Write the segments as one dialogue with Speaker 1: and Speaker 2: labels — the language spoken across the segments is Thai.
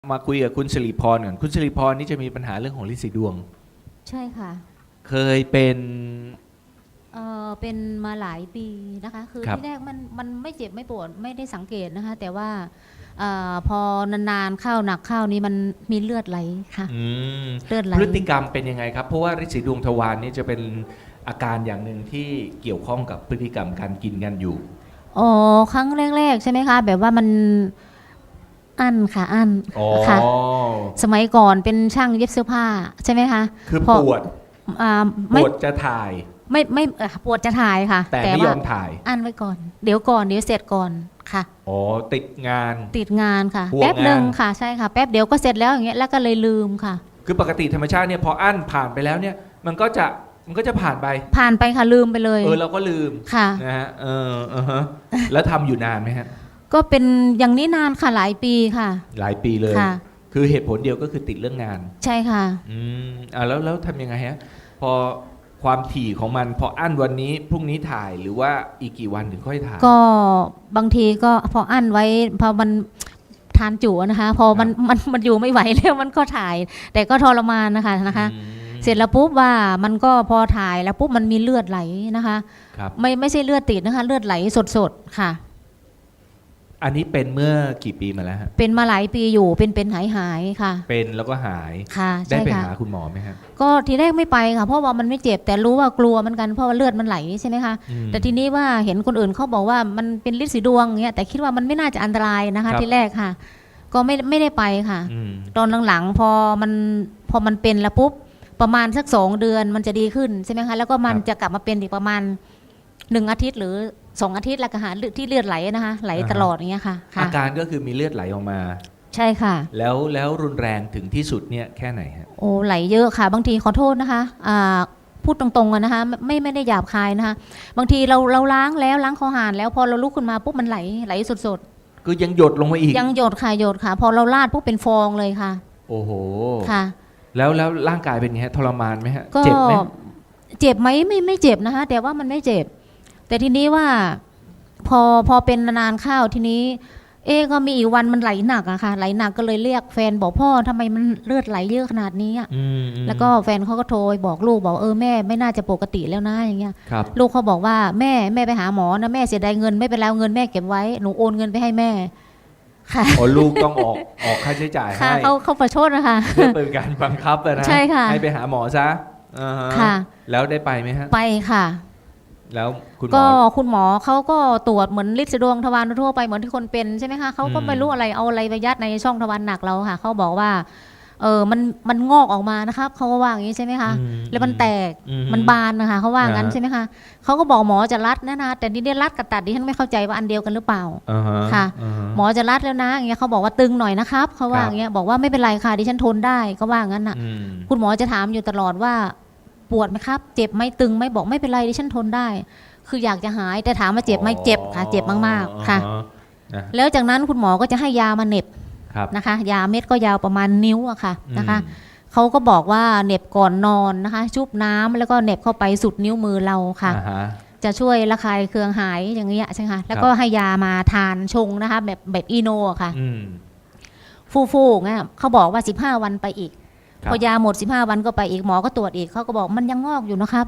Speaker 1: มาคุยกับคุณสิริพรก่อนคุณสิริพรนี่จะมีปัญหาเรื่องของฤทธิ์สีดวง
Speaker 2: ใช่ค่ะ
Speaker 1: เคยเป็น
Speaker 2: เป็นมาหลายปีนะคะคือที่แรกมันไม่เจ็บไม่ปวดไม่ได้สังเกตนะคะแต่ว่าพอนานๆเข้าหนักเข้านี่มันมีเลือดไหลค่ะเลือดไหล
Speaker 1: พฤติกรรมเป็นยังไงครับเพราะว่าฤทธิ์สีดวงทวารนี่จะเป็นอาการอย่างหนึ่งที่เกี่ยวข้องกับพฤติกรรมการกินกันอยู่
Speaker 2: อ๋อครั้งแรกๆใช่ไหมคะแบบว่ามันอั้นค่ะอั้นค่ะสมัยก่อนเป็นช่างเย็บเสื้อผ้าใช่ไหมคะ
Speaker 1: คือปวดจะถ่าย
Speaker 2: ไม่ปวดจะถ่ายค่ะ
Speaker 1: แต่ไม่ยอมถ่าย
Speaker 2: อั้นไว้ก่อนเดี๋ยวเสร็จก่อนค่ะ
Speaker 1: อ๋อติดงาน
Speaker 2: ค่ะแป๊บหนึ่งค่ะใช่ค่ะแป๊บเดี๋ยวก็เสร็จแล้วอย่างเงี้ยแล้วก็เลยลืมค่ะ
Speaker 1: คือปกติธรรมชาติเนี่ยพออั้นผ่านไปแล้วเนี่ยมันก็จะผ่านไป
Speaker 2: ค่ะลืมไปเลย
Speaker 1: เราก็ลืม
Speaker 2: ค่ะ
Speaker 1: นะฮะแล้วทำอยู่นานไหมฮะ
Speaker 2: ก็เป็นอย่างนี้นานค่ะหลายปีค่ะ
Speaker 1: หลายปีเลย
Speaker 2: ค่ะ
Speaker 1: คือเหตุผลเดียวก็คือติดเรื่องงาน
Speaker 2: ใช่ค่ะ
Speaker 1: แล้วทำยังไงฮะพอความถี่ของมันพออั้นวันนี้พรุ่งนี้ถ่ายหรือว่าอีกกี่วันถึงค่อยถ่าย
Speaker 2: ก็บางทีก็พออั้นไว้พอมันทานจุนะคะพอมันอยู่ไม่ไหวแล้วมันก็ถ่ายแต่ก็ทรมานนะคะเสร็จแล้วปุ๊บว่ามันก็พอถ่ายแล้วปุ๊บมันมีเลือดไหลนะคะไม่ใช่เลือดติดนะคะเลือดไหลสดๆค่ะ
Speaker 1: อันนี้เป็นเมื่อกี่ปีมาแล้วฮะ
Speaker 2: เป็นมาหลายปีอยู่เป็นหายค่ะ
Speaker 1: เป็นแล้วก็หาย
Speaker 2: ค่ะ
Speaker 1: ได้ไปหาคุณหมอไหมฮะ
Speaker 2: ก็ทีแรกไม่ไปค่ะเพราะว่ามันไม่เจ็บแต่รู้ว่ากลัวเหมือนกันเพราะว่าเลือดมันไหลใช่ไหมคะแต่ทีนี้ว่าเห็นคนอื่นเขาบอกว่ามันเป็นฤทธิ์สีดวงเงี้ยแต่คิดว่ามันไม่น่าจะอันตรายนะคะทีแรกค่ะก็ไม่ได้ไปค่ะตอนหลังๆพอมันเป็นแล้วปุ๊บประมาณสัก2 เดือนมันจะดีขึ้นใช่ไหมคะแล้วก็มันจะกลับมาเป็นอีกประมาณ1 อาทิตย์หรือ2 อาทิตย์แล้วก็หาที่เลือดไหลนะคะไหลตลอดอย่างเงี้ยค่ะ
Speaker 1: อาการก็คือมีเลือดไหลออกมา
Speaker 2: ใช่ค่ะ
Speaker 1: แล้วรุนแรงถึงที่สุดเนี่ยแค่ไหนฮะ
Speaker 2: โอ้ไหลเยอะค่ะบางทีขอโทษนะคะพูดตรงๆอะนะคะไม่ได้หยาบคายนะคะบางทีเราล้างคอหานแล้วพอเราลุกขึ้นมาปุ๊บมันไหลสด
Speaker 1: ๆก็ยังหยดลงมาอีก
Speaker 2: ยังหยดค่ะพอเราลาดปุ๊บเป็นฟองเลยค่ะ
Speaker 1: โอ้โห
Speaker 2: ค่ะ
Speaker 1: แล้วร่างกายเป็นไงฮะทรมานไหมฮะ
Speaker 2: เจ็บไหมเจ็บไหมไม่เจ็บนะคะแต่ว่ามันไม่เจ็บแต่ทีนี้ว่าพอเป็นนานข้าวทีนี้ก็มีอีกวันมันไหลหนักอะค่ะไหลหนักก็เลยเรียกแฟนบอกพ่อทำไมมันเลือดไหลเยอะขนาดนี้อะแล้วก็แฟนเขาก็โทรบอกลูกบอกแม่ไม่น่าจะปกติแล้วนะอย่างเงี้ยลูกเขาบอกว่าแม่ไปหาหมอนะแม่เสียดายเงินไม่เป็นไรเงินแม่เก็บไว้หนูโอนเงินไปให้แม่
Speaker 1: ค่ะลูกต้องออกค่าใช้จ่ายให้
Speaker 2: เขาประชดนะคะ
Speaker 1: เพื่อเป็นการบังคับนะ
Speaker 2: ใช่ค่ะ
Speaker 1: ให้ไปหาหมอซะ
Speaker 2: ค่ะ
Speaker 1: แล้วได้ไปไหมฮะ
Speaker 2: ไปค่ะ
Speaker 1: แล้ว
Speaker 2: คุณหมอเขาก็ตรวจเหมือนฤทธิ์สีดวงทวารทั่วไปเหมือนที่คนเป็นใช่ไหมคะเขาก็ไม่รู้อะไรเอาอะไรไปยัดในช่องทวารหนักเราค่ะเขาบอกว่ามันงอกออกมานะครับเขาก็ว่าอย่างนี้ใช่ไหมคะแล้วมันแตกมันบานนะคะเขาว่างั้นใช่ไหมคะเขาก็บอกหมอจะรัดนะแต่นี่ได้รัดกับตัดดิฉันไม่เข้าใจว่าอันเดียวกันหรือเปล่าค่ะหมอจะรัดแล้วนะอย่างเงี้ยเขาบอกว่าตึงหน่อยนะครับเขาว่าอย่างเงี้ยบอกว่าไม่เป็นไรค่ะดิฉันทนได้ก็ว่างั้นน่ะคุณหมอจะถามอยู่ตลอดว่าปวดไหมครับเจ็บไหมตึงไหมบอกไม่เป็นไรดิฉันทนได้คืออยากจะหายแต่ถามว่าเจ็บไหมเจ็บค่ะเจ็บมากๆค่ะแล้วจากนั้นคุณหมอก็จะให้ยามาเหน็บนะคะยาเม็ดก็ยาวประมาณนิ้วอะค่ะนะคะเขาก็บอกว่าเหน็บก่อนนอนนะคะชุบน้ำแล้วก็เหน็บเข้าไปสุดนิ้วมือเราค่ะจะช่วยระคายเคืองหายอย่างเงี้ยใช่ไหมคะแล้วก็ให้ยามาทานชงนะคะแบบอีโนค่ะฟูๆงี้ยเขาบอกว่า15 วันไปอีกพอยาหมด15 วันก็ไปอีกหมอก็ตรวจอีกเขาก็บอกมันยังงอกอยู่นะครับ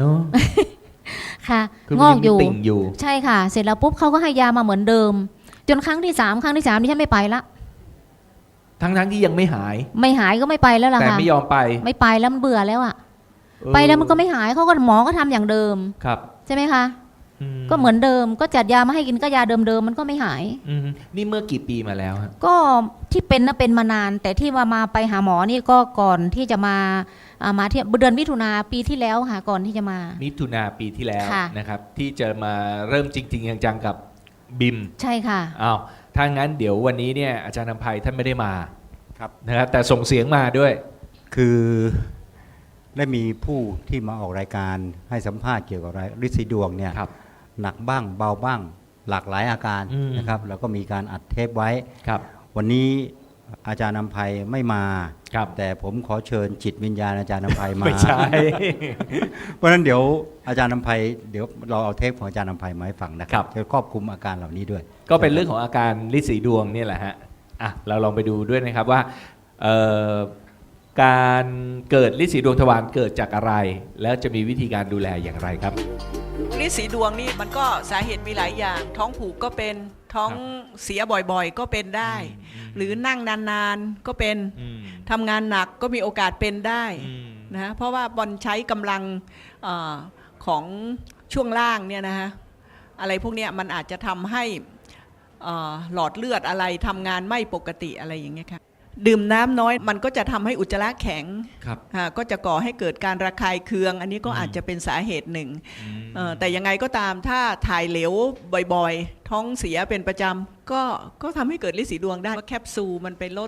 Speaker 2: ค่ะงอกอยู่ใช่ค่ะเสร็จแล้วปุ๊บเขาก็ให้ยามาเหมือนเดิมจนครั้งที่3ที่ฉันไม่ไปละ
Speaker 1: ทั้งที่ยังไม่ห
Speaker 2: ายก็ไม่ไปแล้วล่ะค่ะ
Speaker 1: แต่ไม่ยอม
Speaker 2: ไม่ไปแล้วมันเบื่อแล้วอะไปแล้วมันก็ไม่หายเขาก็หมอก็ทำอย่างเดิม
Speaker 1: ครับ
Speaker 2: ใช่ไหมคะก็เหมือนเดิมก็จัดยามาให้กินก็ยาเดิมมันก็ไม่หาย
Speaker 1: นี่เมื่อกี่ปีมาแล้ว
Speaker 2: ก็ที่เป็นนะเป็นมานานแต่ที่มาไปหาหมอนี่ก็ก่อนที่จะมาที่เดือนมิถุนาปีที่แล้วค่ะก่อนที่จะมา
Speaker 1: มิถุนาปีที่แล้วนะครับที่จะมาเริ่มจริงๆจังๆกับบิม
Speaker 2: ใช่ค่ะ
Speaker 1: อ้าวถ้างั้นเดี๋ยววันนี้เนี่ยอาจารย์นำไพท่านไม่ได้มาครับนะครับแต่ส่งเสียงมาด้วย
Speaker 3: คือได้มีผู้ที่มาออกรายการให้สัมภาษณ์เกี่ยวกับฤทธิ์สีดวงเนี่ยหนักบ้างเบาบ้างหลากหลายอาการนะครับแล้วก็มีการอัดเทปไว้วันนี้อาจารย์นำไพไม่มาแต่ผมขอเชิญจิตวิญญาณอาจารย์นำไพมา
Speaker 1: ไม่ใช่
Speaker 3: เพราะฉะนั้นเดี๋ยวอาจารย์นำไพเดี๋ยวเราเอาเทปของอาจารย์นำไพมาให้ฟังนะครับจะครอบคลุมอาการเหล่านี้ด้วย
Speaker 1: ก็เป็นเรื่องของอาการฤทธิ์สีดวงนี่แหละฮะเราลองไปดูด้วยนะครับว่าเอ่อการเกิดฤทธิ์สีดวงทวารเกิดจากอะไร แล้วจะมีวิธีการดูแลอย่างไรครับ
Speaker 4: ฤทธิ์สีดวงนี่มันก็สาเหตุมีหลายอย่าง ท้องผูกก็เป็นท้องเสียบ่อยๆ ก็เป็นได้ หรือนั่งนานๆก็เป็นทำงานหนักก็มีโอกาสเป็นได้นะเพราะว่าบอลใช้กำลังของช่วงล่างเนี่ยนะฮะอะไรพวกเนี้ยมันอาจจะทำให้หลอดเลือดอะไรทำงานไม่ปกติอะไรอย่างเงี้ยค่ะดื่มน้ำน้อยมันก็จะทำให้อุจจาระแข็ง
Speaker 1: ครับ
Speaker 4: ก็จะก่อให้เกิดการระคายเคือง อันนี้ก็อาจจะเป็นสาเหตุหนึ่งแต่ยังไงก็ตามถ้าถ่ายเหลวบ่อยๆ ท้องเสียเป็นประจำก็ทำให้เกิดฤทธิ์สีดวงได้ว่าแคปซูลมันไปลด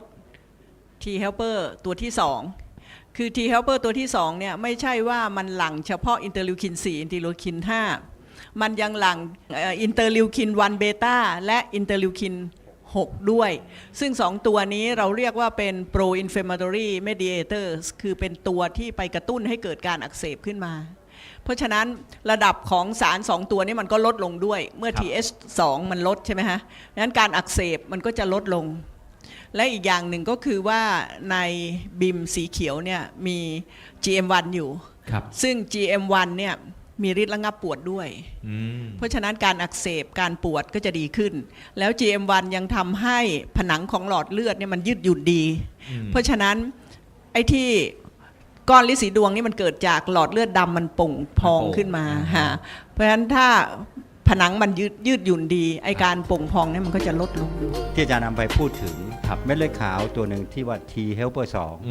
Speaker 4: T helper ตัวที่ 2 คือ T helper ตัวที่ 2 เนี่ยไม่ใช่ว่ามันหลั่งเฉพาะอินเตอร์ลิวคิน 4 อินเตอร์ลิวคิน 5 มันยังหลั่งอินเตอร์ลิวคิน 1 เบต้าและอินเตอร์ลิวคิน 6 ด้วย ซึ่ง 2 ตัวนี้เราเรียกว่าเป็น pro inflammatory mediators คือเป็นตัวที่ไปกระตุ้นให้เกิดการอักเสบขึ้นมา เพราะฉะนั้นระดับของสาร 2 ตัวนี้มันก็ลดลงด้วยเมื่อ TH2 มันลดใช่ไหมฮะดังนั้นการอักเสบมันก็จะลดลง และอีกอย่างหนึ่งก็คือว่าในบิมสีเขียวเนี่ยมี GM1 อยู่
Speaker 1: ครับ
Speaker 4: ซึ่ง GM1 เนี่ยมีฤทธิ์ระงับปวดด้วย เพราะฉะนั้นการอักเสบการปวดก็จะดีขึ้น แล้ว GM1 ยังทำให้ผนังของหลอดเลือดเนี่ยมันยืดหยุ่นดี เพราะฉะนั้นไอ้ที่ก้อนฤทธิ์สีดวงนี่มันเกิดจากหลอดเลือดดำมันป่งพองขึ้นมาฮะเพราะฉะนั้นถ้าผนังมันยืดหยุ่นดีไอการป่งพองเนี่ยมันก็จะลดลง
Speaker 3: ที่อาจารย์นำไปพูดถึงเม็ดเลือดขาวตัวหนึ่งที่ว่า T helper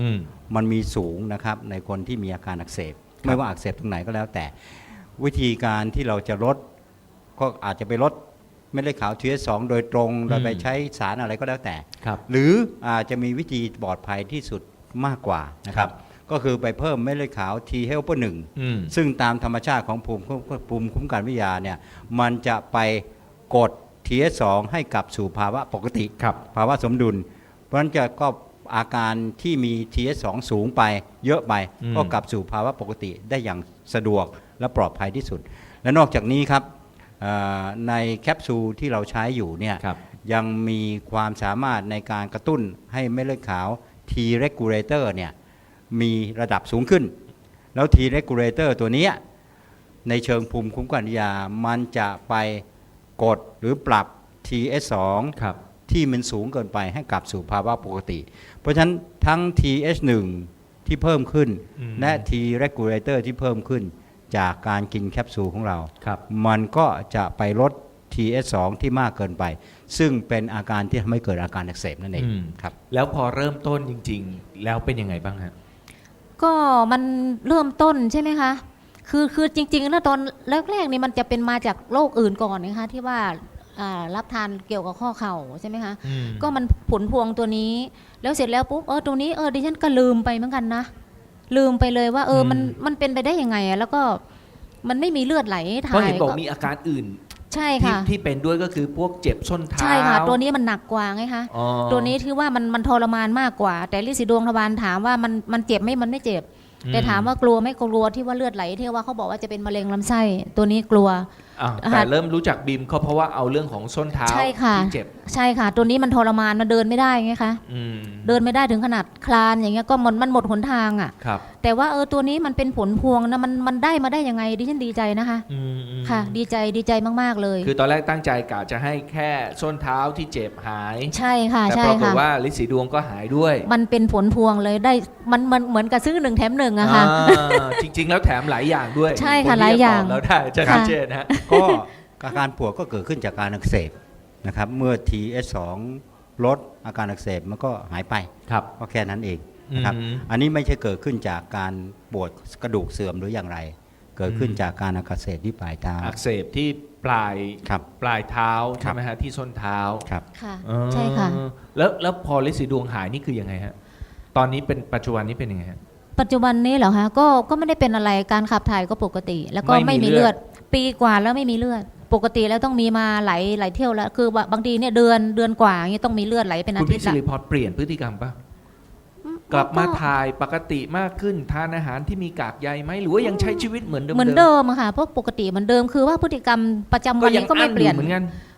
Speaker 3: 2มันมีสูงนะครับในคนที่มีอาการอักเสบไม่ว่าอักเสบตรงไหนก็แล้วแต่วิธีการที่เราจะลดก็อาจจะไปลดเม็ดเลือดขาว TH2 โดยตรงโดยไปใช้สารอะไรก็แล้วแต่หรืออาจจะมีวิธีปลอดภัยที่สุดมากกว่านะครับก็คือไปเพิ่มเม็ดเลือดขาว T helper 1ซึ่งตามธรรมชาติของภูมิคุ้มกันวิทยาเนี่ยมันจะไปกด TH2 ให้กลับสู่ภาวะปกติภาวะสมดุลเพราะฉะนั้นก็อาการที่มี TH2 สูงไปเยอะไปก็กลับสู่ภาวะปกติได้อย่างสะดวกและปลอดภัยที่สุดและนอกจากนี้ครับในแคปซูลที่เราใช้อยู่เนี่ยยังมีความสามารถในการกระตุ้นให้เม็ดเลือดขาว T regulator เนี่ยมีระดับสูงขึ้นแล้ว T regulator ตัวนี้ในเชิงภูมิคุ้มกันวิทยามันจะไปกดหรือปรับ TH2 ที่มันสูงเกินไปให้กลับสู่ภาวะปกติ เพราะฉะนั้นทั้ง TH1 ที่เพิ่มขึ้นและ T regulator ที่เพิ่มขึ้นจากการกินแคปซูลของเรามันก็จะไปลด TH2 ที่มากเกินไปซึ่งเป็นอาการที่ทำให้เกิดอาการอักเสบนั่นเองครับ
Speaker 1: แล้วพอเริ่มต้นจริงๆแล้วเป็นยังไงบ้างฮะ
Speaker 2: ก็มันเริ่มต้นใช่ไหมคะคือจริงๆแล้วตอนแรกๆนี่มันจะเป็นมาจากโรคอื่นก่อนนะคะที่ว่ารับทานเกี่ยวกับข้อเข่าใช่ไหมคะก็มันผลพวงตัวนี้แล้วเสร็จแล้วปุ๊บตรงนี้ดิฉันก็ลืมไปเหมือนกันนะลืมไปเลยว่ามันเป็นไปได้ยังไงแล้วก็มันไม่มีเลือดไหลถ่าย
Speaker 1: เพราะเห็นบอกมีอาการอื่น
Speaker 2: ใช่ค่ะ
Speaker 1: ที่เป็นด้วยก็คือพวกเจ็บส้นเท้า
Speaker 2: ใช่ค่ะตัวนี้มันหนักกว่าไงคะตัวนี้ถือว่ามันทรมานมากกว่าแต่ฤทธิ์สีดวงทวารถามว่ามันเจ็บไหมมันไม่เจ็บแต่ถามว่ากลัวไม่กลัวที่ว่าเลือดไหลที่ว่าเขาบอกว่าจะเป็นมะเร็งลำไส้ตัวนี้กลัว
Speaker 1: แต่เริ่มรู้จักบิมเขาเพราะว่าเอาเรื่องของส้นเท้าที่เจ็บ
Speaker 2: ใช่ค่ะตัวนี้มันทรมานมันเดินไม่ได้ไงคะเดินไม่ได้ถึงขนาดคลานอย่างเงี้ยก็มันหมดหนทางอ่ะแต่ว่าตัวนี้มันเป็นผลพวงนะมันได้มาได้ยังไงดิฉันดีใจนะคะค่ะดีใจมากๆเลย
Speaker 1: คือตอนแรกตั้งใจกะจะให้แค่ส้นเท้าที่เจ็บหาย
Speaker 2: ใช่ค่ะ
Speaker 1: แต่ปรากฏว่าฤทธิ์สีดวงก็หายด้วย
Speaker 2: มันเป็นผลพวงเลยได้มันเหมือนกับซื้อ1 แถม 1อะค่ะ
Speaker 1: จริงๆแล้วแถมหลายอย่างด้วย
Speaker 2: ใช่ค่ะหลายอย่าง
Speaker 1: แล้วได้จะชัดเจนนะ
Speaker 3: ก็อาการปวดก็เกิดขึ้นจากการอักเสบนะครับเมื่อ TH2 ลดอาการอักเสบมันก็หายไปก็แค่นั้นเองนะครับอันนี้ไม่ใช่เกิดขึ้นจากการปวดกระดูกเสื่อมหรืออย่างไรเกิดขึ้นจากการอักเสบที่ปลายเท้า
Speaker 1: อักเสบที่ปลายเท้าใช่ไหมฮะที่ส้นเท้า
Speaker 3: ครับ
Speaker 2: ค่ะใช่ค่ะ
Speaker 1: แล้วพอฤทธิ์สีดวงหายนี่คือยังไงฮะตอนนี้เป็นปัจจุบันนี้เป็นยังไงฮะ
Speaker 2: ปัจจุบันนี้เหรอคะก็ไม่ได้เป็นอะไรการขับถ่ายก็ปกติแล้วก็ไม่มีเลือดปีกว่าแล้วไม่มีเลือดปกติแล้วต้องมีมาหลายเที่ยวแล้วคือบางทีเนี่ยเดือนกว่าอย่างนี้ต้องมีเลือดไหลเป็นอาทิตย์
Speaker 1: คุณพี่สิริพรเปลี่ยนพฤติกรรมปะกลับมาถ่ายปกติมากขึ้นทานอาหารที่มีกากใยไหมหรือว่ายังใช้ชีวิตเหมือนเดิม
Speaker 2: ค่ะเพราะปกติเหมือนเดิมคือว่าพฤติกรรมประจำวันนี้ก็ไม่เปลี่ยน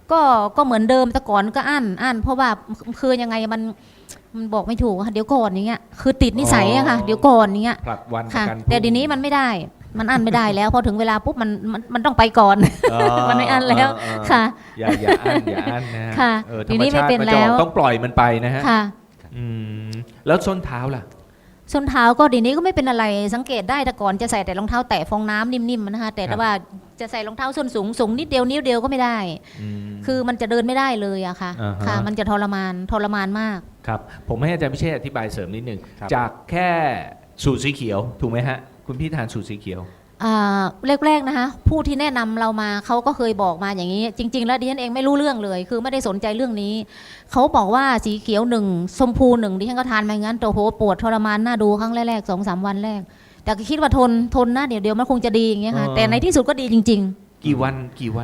Speaker 2: ก็เหมือนเดิมแต่ก่อนก็อั้นเพราะว่าคือยังไงมันบอกไม่ถูกค่ะเดี๋ยวก่อนอย่างเงี้ยคือติดนิสัยอะค่ะเดี๋ยวก่อนอย่างเงี้ย
Speaker 1: ผลัดวันประ
Speaker 2: ค่ะ
Speaker 1: กันพรุ่ง
Speaker 2: แต่เดี๋ยวนี้มันไม่ได้มันอั้นไม่ได้แล้วพอถึงเวลาปุ๊บมันต้องไปก่อน มันไม่อั้นแล้วค่ะ
Speaker 1: อย่าอั้นอย่าอั้นนะฮะ
Speaker 2: ค่ะ
Speaker 1: ธร
Speaker 2: ที
Speaker 1: รม
Speaker 2: นี้ไม่
Speaker 1: ชาติ
Speaker 2: เป็น
Speaker 1: มันจะออก
Speaker 2: แล้ว
Speaker 1: ต้องปล่อยมันไปนะฮะ
Speaker 2: ค่ะ
Speaker 1: อืมแล้วส้นเท้าล่ะ
Speaker 2: ส้นเท้าก็เดี๋ยวนี้ก็ไม่เป็นอะไรสังเกตได้แต่ก่อนจะใส่แต่รองเท้าแตะฟองน้ำนิ่มๆนะคะแต่
Speaker 1: ครับ
Speaker 2: ว่าจะใส่รองเท้าส้นสูงนิดเดียวนิ้วเดียวก็ไม่ได้
Speaker 1: ม
Speaker 2: คือมันจะเดินไม่ได้เลยอะค่ะ
Speaker 1: อ่าฮะ
Speaker 2: ค่ะ มันจะทรมานมาก
Speaker 1: ครับผมให้อาจารย์พิเชษฐ์อธิบายเสริมนิดหนึ่ง
Speaker 3: ครับ
Speaker 1: จากแค่สูตรสีเขียวถูกไหมฮะคุณพี่ทานสูตรสีเขียว
Speaker 2: แรกๆนะคะผู้ที่แนะนำเรามาเขาก็เคยบอกมาอย่างนี้ จริง ๆ แล้วดิฉันเองไม่รู้เรื่องเลย คือไม่ได้สนใจเรื่องนี้เขาบอกว่าสีเขียว1ชมพู1ดิฉันก็ทานมางั้นโอ้โหปวดทรมานน่าดูครั้งแรกๆ 2-3 วันแรก แต่ก็คิดว่าทนนะเดี๋ยวมันคงจะดีอย่างเงี้ยค่ะ
Speaker 1: อ๋อ
Speaker 2: แต่ในที่สุดก็ดีจริง
Speaker 1: กี่วัน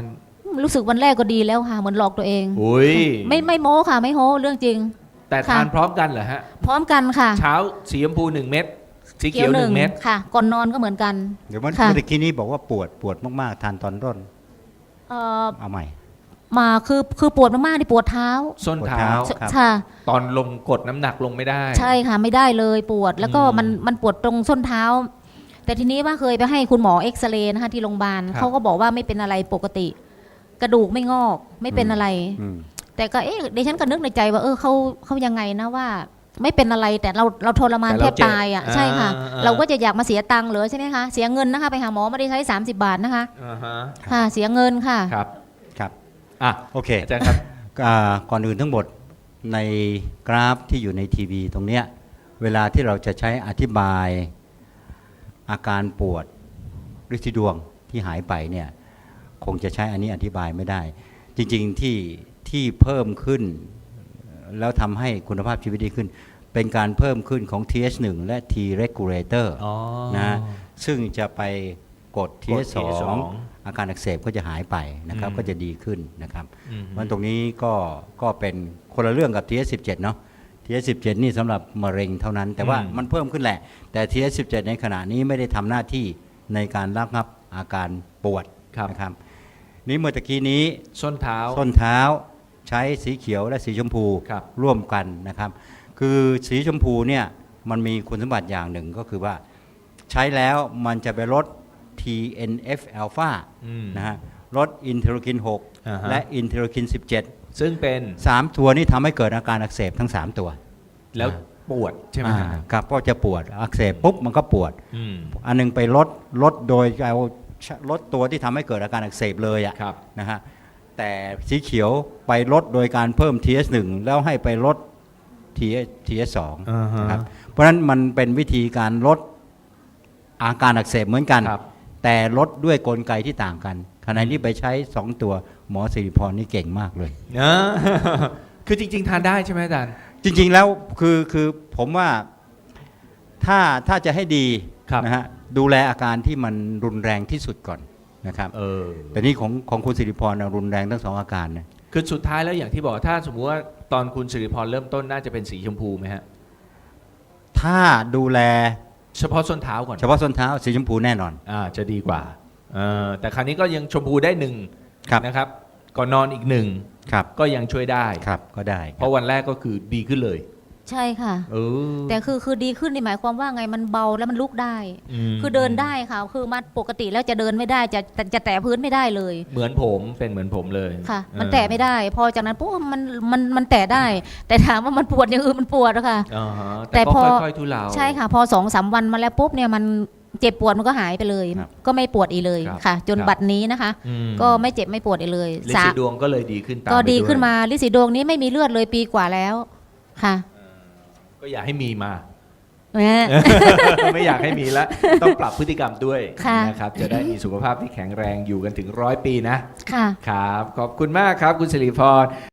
Speaker 2: ๆ รู้สึกวันแรกก็ดีแล้วค่ะเหมือนหลอกตัวเอง
Speaker 1: อุ้ย
Speaker 2: ไม่โม้ค่ะไม่โม้เรื่องจริง
Speaker 1: แต่
Speaker 2: ค่ะ
Speaker 1: ทานพร้อมกันเหรอฮะ
Speaker 2: พร้อมกันค่ะ
Speaker 1: เช้าสีชมพู1 เม็ดสีเขียว1 เม็ด
Speaker 2: ค่ะ ก่อนนอนก็เหมือนกัน
Speaker 3: เดี๋ยวเมื่อ
Speaker 2: ค่ะ
Speaker 3: กี้นี้บอกว่าปวดมากๆทานตอนต้น
Speaker 2: เอ่อ
Speaker 3: เอาใหม่
Speaker 2: มาคือปวดมากๆที่ปวดเท้า
Speaker 1: ส้น
Speaker 3: ปวด
Speaker 1: เท้า
Speaker 3: เท้า ครับ
Speaker 2: ค่ะ
Speaker 1: ตอนลงกดน้ำหนักลงไม่ได้
Speaker 2: ใช่ค่ะไม่ได้เลยปวดแล้วก็
Speaker 1: อืม
Speaker 2: มันปวดตรงส้นเท้า แต่ทีนี้ว่าเคยไปให้คุณหมอเอ็กซเรย์นะคะที่โรงพยาบาล
Speaker 1: ครับ
Speaker 2: เขาก็บอกว่าไม่เป็นอะไรปกติ กระดูกไม่งอกไม่เป็นอะไร
Speaker 3: อืม
Speaker 2: แต่ก็ดิฉันก็นึกในใจว่าเขายังไงนะว่า ไม่เป็นอะไรแต่เราทรมาน
Speaker 1: แต่
Speaker 2: แท
Speaker 1: เรา
Speaker 2: บ
Speaker 1: เจ็บ
Speaker 2: ตายอ่ะใช่ค่ะ
Speaker 1: อ่า
Speaker 2: เราก็จะอยากมาเสียตังค์เหรอใช่ไหมคะเสียเงินนะคะไปหาหมอไม่ได้ใช้30 บาทนะคะ
Speaker 1: อ่าฮะ
Speaker 2: ค่ะ เสียเงินค่ะ
Speaker 1: ครับ
Speaker 3: ครับ
Speaker 1: อ่ะ
Speaker 3: โอเค
Speaker 1: อาจารย์ครับ
Speaker 3: ก่อนอื่นทั้งหมดในกราฟที่อยู่ในทีวีตรงเนี้ยเวลาที่เราจะใช้อธิบายอาการปวดฤทธิดวงที่หายไปเนี่ยคงจะใช้อันนี้อธิบายไม่ได้ จริงๆที่เพิ่มขึ้น แล้วทำให้คุณภาพชีวิตดีขึ้น เป็นการเพิ่มขึ้นของ TH1 และ T regulator
Speaker 1: อ๋อ
Speaker 3: นะซึ่งจะไปกด
Speaker 1: TH2
Speaker 3: TH2 อาการอักเสบก็จะหายไปนะครับ
Speaker 1: อืม
Speaker 3: ก็จะดีขึ้นนะครับ
Speaker 1: อืม
Speaker 3: มันตรงนี้ก็เป็นคนละเรื่องกับ TH17 เนาะ TH17 นี่สำหรับมะเร็งเท่านั้น แต่ว่ามันเพิ่มขึ้นแหละ แต่ TH17 ในขณะนี้ไม่ได้ทำหน้าที่ในการระงับอาการปวด
Speaker 1: ครับ
Speaker 3: นะครับนี่เมื่อตะกี้นี้
Speaker 1: ส้นเท้า
Speaker 3: ส้นเท้าใช้สีเขียวและสีชมพู
Speaker 1: ครับ
Speaker 3: ร่วมกันนะครับ คือสีชมพูเนี่ยมันมีคุณสมบัติอย่างหนึ่งก็คือว่าใช้แล้วมันจะไปลด TNF อ l p h a
Speaker 1: อืม
Speaker 3: นะฮะลดอินเทอร์คิน
Speaker 1: อ่าฮะ
Speaker 3: 6 และอินเทอร์คิน
Speaker 1: ซึ่งเป็น
Speaker 3: 17 3 ตัวนี้ทำให้เกิดอาการอักเสบทั้ง 3 ตัว
Speaker 1: แล้วปวดใช่ไหมฮะ
Speaker 3: ครับก็จะปวดอักเสบปุ๊บมันก็ปวด
Speaker 1: อืม
Speaker 3: อันหนึงไปลดโดยเอาลดตัวที่ทำให้เกิดอาการอักเสบเลยอ่ะ
Speaker 1: ครับ
Speaker 3: นะฮะแต่สีเขียวไปลดโดยการเพิ่ม TS1 แล้วให้ไปลด TS2
Speaker 1: อ่าฮะ
Speaker 3: นะครับเพราะฉะนั้นมันเป็นวิธีการลดอาการอักเสบเหมือนกัน
Speaker 1: ครับ
Speaker 3: แต่ลดด้วยกลไกที่ต่างกันขณะนี้ไปใช้ 2 ตัวหมอสิริพรนี่เก่งมากเลย
Speaker 1: อ่า คือจริง ๆ ทานได้ใช่ไหมอาจารย์
Speaker 3: จริงๆแล้วคือผมว่าถ้าจะให้ดี
Speaker 1: ครับ
Speaker 3: นะฮะดูแลอาการที่มันรุนแรงที่สุดก่อนนะครับ
Speaker 1: เออ
Speaker 3: แต่นี่ของคุณสิริพรน่ะรุนแรงทั้งสองอาการนะ
Speaker 1: คือสุดท้ายแล้วอย่างที่บอกถ้าสมมุติว่าตอนคุณสิริพรเริ่มต้นน่าจะเป็นสีชมพูไหมฮะ
Speaker 3: ถ้าดูแล
Speaker 1: เฉพาะส้นเท้าก่อน
Speaker 3: เฉพาะส้นเท้าสีชมพูแน่นอน
Speaker 1: จะดีกว่าแต่คราวนี้ก็ยังชมพูได้หนึ่ง
Speaker 3: ครับ
Speaker 1: นะครับ ก่อนนอนอีกหนึ่ง
Speaker 3: ครับ
Speaker 1: ก็ยังช่วยได้
Speaker 3: ครับก็ได้
Speaker 1: เพราะวันแรกก็คือดีขึ้นเลย
Speaker 2: ใช่ค่ะ
Speaker 1: เออ
Speaker 2: แต่คือดีขึ้นนี่หมายความว่าไงมันเบาแล้วมันลุกได้
Speaker 1: ม
Speaker 2: คือเดินได้ค่ะ คือมาปกติแล้วจะเดินไม่ได้จะแตะพื้นไม่ได้เลย
Speaker 1: เหมือนผมเป็นเหมือนผมเลย
Speaker 2: ค่ะ มัน
Speaker 1: เออ
Speaker 2: แตะไม่ได้ พอจากนั้นปุ๊บมันแตะได้ แต่ถามว่ามันปวดอย่างอื่นมันปวดอะค่ะ
Speaker 1: อ่าฮะ
Speaker 2: แต่
Speaker 1: แต่ก็
Speaker 2: พอ
Speaker 1: ค่อยๆทุเลา
Speaker 2: ใช่ค่ะ พอ2-3 วันมาแล้วปุ๊บเนี่ยมันเจ็บปวดมันก็หายไปเลย
Speaker 3: ครับ
Speaker 2: ก็ไม่ปวดอีกเลย
Speaker 1: ครับ
Speaker 2: ค่ะ จน
Speaker 1: ครับ
Speaker 2: บัดนี้นะคะ
Speaker 1: อืม
Speaker 2: ก็ไม่เจ็บไม่ปวดอีกเลย
Speaker 1: ลินสีดวงก็เลยดีขึ้นตาม
Speaker 2: ก็
Speaker 1: ไป
Speaker 2: ดี
Speaker 1: วย
Speaker 2: ขึ้นมาลิสีดวงนี้ไม่มีเลือดเลยปีกว่าแล้วค่ะ
Speaker 1: ก็อยากให้มีมา
Speaker 2: แหม
Speaker 1: ไม่อยากให้มีแล้ว ต้องปรับพฤติกรรมด้วย
Speaker 2: ค่ะ
Speaker 1: นะครับ จะได้มีสุขภาพที่แข็งแรงอยู่กันถึง100 ปีนะ
Speaker 2: ค่ะ
Speaker 1: ครับ ขอบคุณมากครับ คุณสิริพร